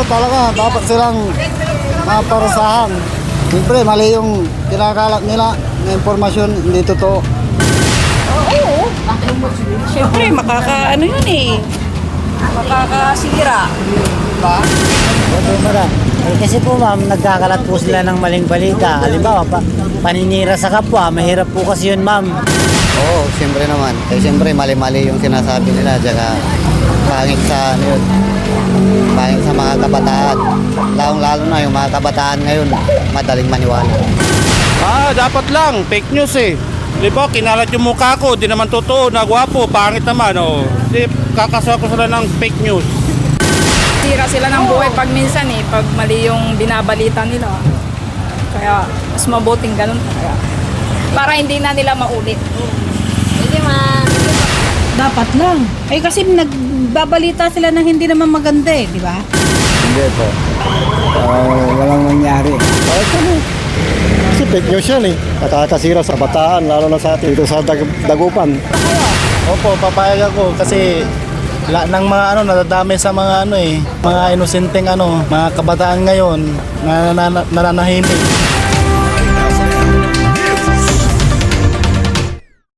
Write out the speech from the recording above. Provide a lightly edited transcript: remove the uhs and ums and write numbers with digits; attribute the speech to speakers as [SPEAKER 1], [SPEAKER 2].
[SPEAKER 1] talaga, dapat silang maparusahan. Siyempre, mali yung kinakalat nila na impormasyon, hindi totoo.
[SPEAKER 2] Oo. Siyempre, ano yun eh. Makakasira. Diba?
[SPEAKER 3] Kasi po ma'am, nagkakalat po sila ng maling balita. Halimbawa, paninira sa kapwa, mahirap po kasi yun ma'am.
[SPEAKER 1] Oo, siyempre naman. Kasi siyempre, mali-mali yung sinasabi nila. Tsaka, pangit sa, ano yun, pangit sa mga kabataan. Lalong-lalo na yung mga kabataan ngayon, madaling maniwala.
[SPEAKER 4] Dapat lang, fake news eh. Di ba, kinalat yung mukha ko, di naman totoo, nagwapo, pangit naman, oh. Di, kakasuha ko sila ng fake news.
[SPEAKER 2] Sira sila ng buhay pag minsan eh, pag mali yung binabalita nila. Kaya, mas mabuting ganun. Kaya, para hindi na nila maulit.
[SPEAKER 5] Dapat lang. Eh kasi nagbabalita sila na hindi naman maganda eh, di ba?
[SPEAKER 1] Hindi po. Walang nangyari. Bakit ano? Kasi fake news yan eh. Nakakasira sa bataan, lalo na sa atin dito sa Dagupan.
[SPEAKER 6] Opo, papayag ako kasi ng mga nadadami sa mga mga inosenteng mga kabataan ngayon na nananahimik.